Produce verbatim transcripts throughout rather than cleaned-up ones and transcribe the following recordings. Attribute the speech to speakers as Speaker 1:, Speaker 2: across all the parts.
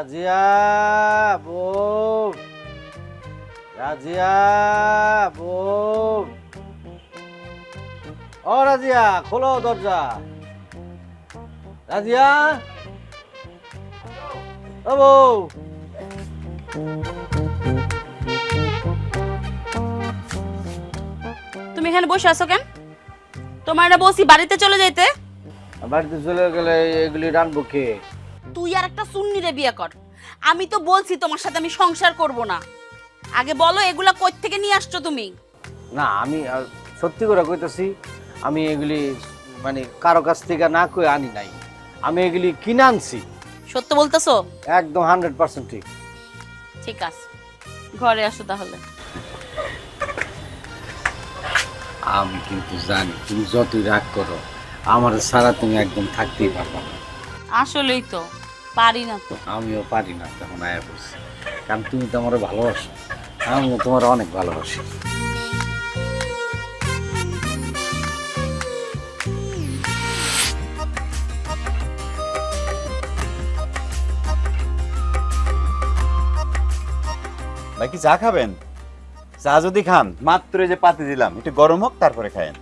Speaker 1: রাজিয়া বউ, রাজিয়া বউ, ও রাজিয়া খোলো দরজা। রাজিয়া, ও বউ।
Speaker 2: তুমি এখানে বসে আছো কেন? তোমার না বলছি বাড়িতে চলে যাইতে।
Speaker 1: বাড়িতে চলে গেলে এগুলি রানবো কে?
Speaker 2: তুই আর একটা সুন্নিরে বিয়ে কর। আমি তো বলছি তোমার সাথে আমি সংসার করব না। আগে বলো এগুলা কই থেকে নিয়ে আসছো তুমি?
Speaker 1: না আমি আহ, সত্যি করে কইতেছি, আমি এগুলি মানে কারো কাছ থেকে না কই আনি নাই, আমি এগুলি কিনে আনছি।
Speaker 2: সত্য বলতেছো?
Speaker 1: একদম হান্ড্রেড পার্সেন্ট ঠিক।
Speaker 2: ঠিক আছে, ঘরে আসো তাহলে।
Speaker 1: আমি কিন্তু জানি তুমি যতই রাগ করো, আমার সারা তুমি একদম থাকতেই পারবা না।
Speaker 2: আসলেই তো পারি না তো।
Speaker 1: আমিও পারি না তখন আয়া বলছি, কারণ তুমি তো আমার ভালোবাসো, আমিও তোমার অনেক ভালোবাসি।
Speaker 3: ভাই কি চা খাবেন? চা যদি খান, মাত্র এই যে পাতি দিলাম, একটু গরম হোক তারপরে খায়েন।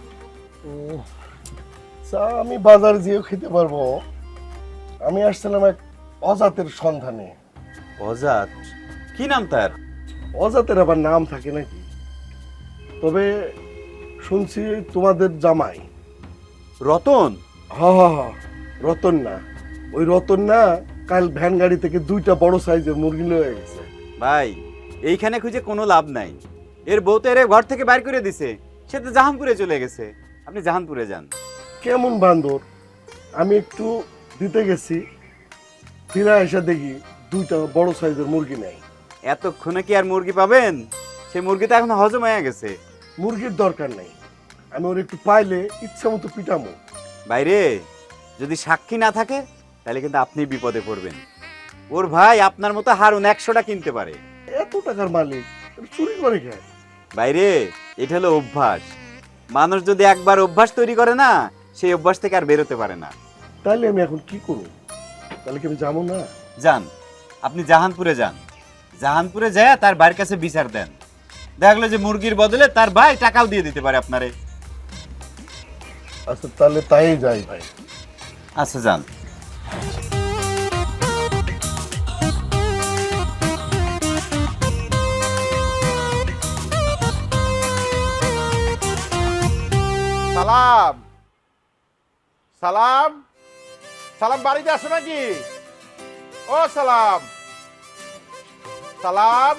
Speaker 4: চা আমি বাজারে যেও খেতে পারবো। আমি আসছিলাম এক অজাতের সন্ধানে।
Speaker 3: অজাত? কি নাম তার?
Speaker 4: অজাতের আবার নাম থাকে নাকি? তবে শুনছি তোমাদের জামাই
Speaker 3: রতন।
Speaker 4: হ হ হ রতন না, ওই রতন না কাল ভ্যান গাড়ি থেকে দুইটা বড় সাইজের মুরগি লয়ে গেছে।
Speaker 3: ভাই এইখানে খুঁজে কোনো লাভ নাই, এর বউ তো এর ঘর থেকে বাইর করে দিছে, সে তো জাহানপুরে চলে গেছে। আপনি জাহানপুরে যান।
Speaker 4: কেমন বান্দর! আমি একটু দিতে গেছি, ফিরে এসে দেখি দুইটা বড় সাইজের মুরগি নেই।
Speaker 3: এতক্ষণে কি আর মুরগি পাবেন? সে মুরগি তো এখন হজম হয়ে গেছে।
Speaker 4: মুরগির দরকার নেই, আমি ওর একটু পাইলে ইচ্ছা মতো পিটামো।
Speaker 3: বাইরে যদি সাক্ষী না থাকে তাহলে কিন্তু আপনি বিপদে পড়বেন। ওর ভাই আপনার মতো হারুন একশোটা কিনতে পারে।
Speaker 4: এত টাকার মালিক চুরি করে খায়।
Speaker 3: বাইরে এটা হলো অভ্যাস, মানুষ যদি একবার অভ্যাস তৈরি করে না, সেই অভ্যাস থেকে আর বেরোতে পারে না।
Speaker 4: তাহলে আমি এখন কি করব? তাহলে কি আমি যাবো না?
Speaker 3: যান, আপনি জাহানপুরে যান। জাহানপুরে যায় তার ভাইয়ের কাছে বিচার দেন, দেখলো যে মুরগির বদলে তার ভাই টাকাও দিয়ে দিতে পারে আপনারে।
Speaker 4: আচ্ছা তাহলে তাই যাই ভাই।
Speaker 3: আচ্ছা যান।
Speaker 5: সালাম সালাম সালাম, বাড়িতে আসো নাকি? ও সালাম সালাম।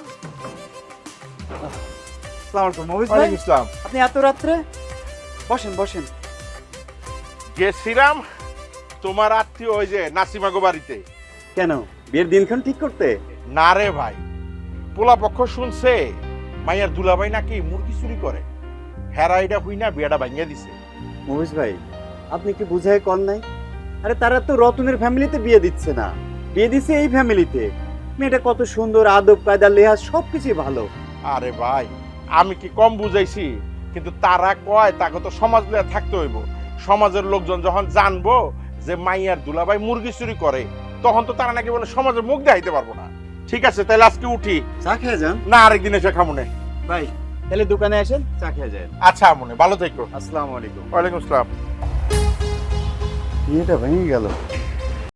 Speaker 3: আসসালামু আলাইকুম মহিষ ভাই।
Speaker 5: ওয়ালাইকুম আসসালাম।
Speaker 3: আপনি এত রাত্রে? বসেন বসেন।
Speaker 5: গেছিলাম তোমার আত্মীয় ওই যে নাসিমাগো বাড়িতে।
Speaker 3: কেন, বিয়ের দিনক্ষণ ঠিক করতে?
Speaker 5: না রে ভাই, পোলা পক্ষ শুনছে মাইয়ার দুলাভাই নাকি মুরগি চুরি করে, হেরাইটা হুই না বিয়াটা ভাঙিয়ে দিছে।
Speaker 3: মহিষ ভাই আপনি কি বুঝাই কল নাই? আরে তারা তো রতনের ফ্যামিলিতে বিয়ে দিচ্ছে না, বিয়ে দিচ্ছে এই ফ্যামিলিতে। মেয়েটা কত সুন্দর, আদব কায়দা লেহাজ সবকিছুই ভালো।
Speaker 5: আরে ভাই আমি কি কম বুঝাইছি? কিন্তু তারা কয় তাকে তো সমাজ লিয়া থাকতে হইব। সমাজের লোকজন যখন জানবো যে মাইয়ার দুলাভাই মুরগি চুরি করে, তখন তো তারা নাকি বলে সমাজের মুখ দেখাইতে পারবো না। ঠিক আছে তাহলে আজকে উঠি।
Speaker 3: চা খেয়ে যান।
Speaker 5: না আরেকদিন এসে খামুনে।
Speaker 3: ভাই তাহলে দোকানে আসেন, চা খেয়ে যান।
Speaker 5: আচ্ছা আমনে, ভালো থেকো।
Speaker 3: আসসালামু আলাইকুম।
Speaker 5: ওয়ালাইকুম আসসালাম।
Speaker 3: বিয়েটা ভেঙে গেল।